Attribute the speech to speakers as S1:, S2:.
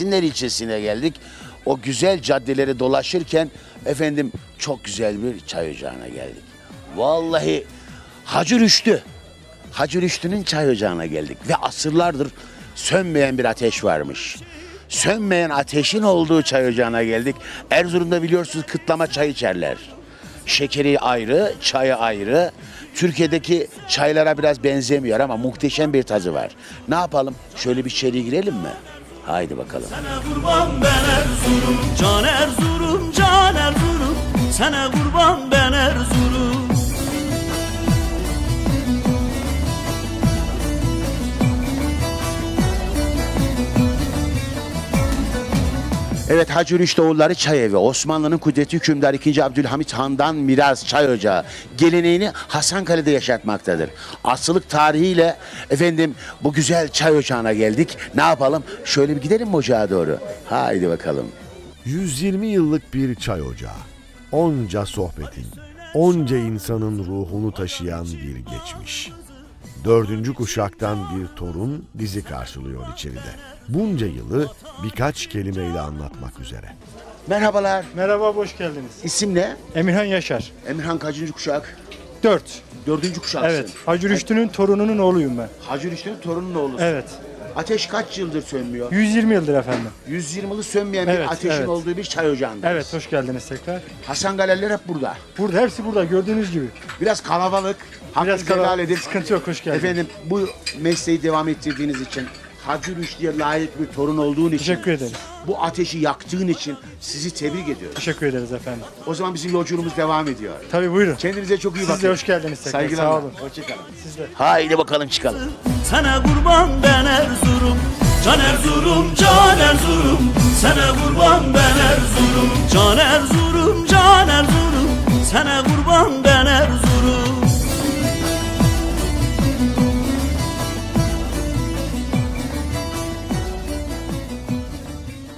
S1: Esinler ilçesine geldik. O güzel caddeleri dolaşırken efendim çok güzel bir çay ocağına geldik. Vallahi Hacı Rüştü. Hacı Rüştü'nün çay ocağına geldik ve asırlardır sönmeyen bir ateş varmış. Sönmeyen ateşin olduğu çay ocağına geldik. Erzurum'da biliyorsunuz kıtlama çay içerler. Şekeri ayrı, çayı ayrı. Türkiye'deki çaylara biraz benzemiyor ama muhteşem bir tadı var. Ne yapalım? Şöyle bir içeri girelim mi? Haydi bakalım.
S2: Sana kurban ben Erzurum, can Erzurum, can Erzurum. Sana kurban ben Erzurum.
S1: Evet, Hacı Rüştü Oğulları Çay Evi, Osmanlı'nın kudretli hükümdarı 2. Abdülhamit Han'dan miras çay ocağı geleneğini Hasankale'de yaşatmaktadır. Asırlık tarihiyle efendim bu güzel çay ocağına geldik. Ne yapalım? Şöyle bir gidelim mi ocağa doğru? Haydi bakalım.
S3: 120 yıllık bir çay ocağı. Onca sohbetin, onca insanın ruhunu taşıyan bir geçmiş. 4. kuşaktan bir torun bizi karşılıyor içeride. Bunca yılı birkaç kelimeyle anlatmak üzere.
S1: Merhabalar.
S4: Merhaba, hoş geldiniz.
S1: İsim ne?
S4: Emirhan Yaşar.
S1: Emirhan kaçıncı kuşak?
S4: 4.
S1: 4. kuşaksın.
S4: Evet, Hacı Rüştü'nün torununun oğluyum ben.
S1: Hacı Rüştü'nün torunun oğlusun.
S4: Evet.
S1: Ateş kaç yıldır sönmüyor?
S4: 120 yıldır efendim.
S1: 120 yılı sönmeyen bir
S4: Evet,
S1: ateşin
S4: evet.
S1: olduğu bir çay ocağındayız.
S4: Evet, hoş geldiniz tekrar.
S1: Hasan Galeller hep burada.
S4: Burada, hepsi burada gördüğünüz gibi.
S1: Biraz kalabalık.
S4: Biraz
S1: Hakkınızı helal edin.
S4: sıkıntı yok, hoş geldiniz.
S1: Efendim bu mesleği devam ettirdiğiniz için, Hacı Rüştü'ye layık bir torun olduğun için,
S4: Teşekkür ederiz.
S1: bu ateşi yaktığın için sizi tebrik ediyorum.
S4: Teşekkür ederiz efendim.
S1: O zaman bizim yolculuğumuz devam ediyor.
S4: Tabii, buyurun.
S1: Kendinize çok iyi bakın.
S4: Siz de hoş geldiniz tekrar.
S1: Saygılar.
S4: Sağ olun.
S1: Hoşçakalın.
S4: Siz de.
S1: Haydi bakalım çıkalım.
S2: Sana kurban ben Erzurum, can Erzurum, can Erzurum. Sana kurban ben Erzurum, can Erzurum, can Erzurum. Sana kurban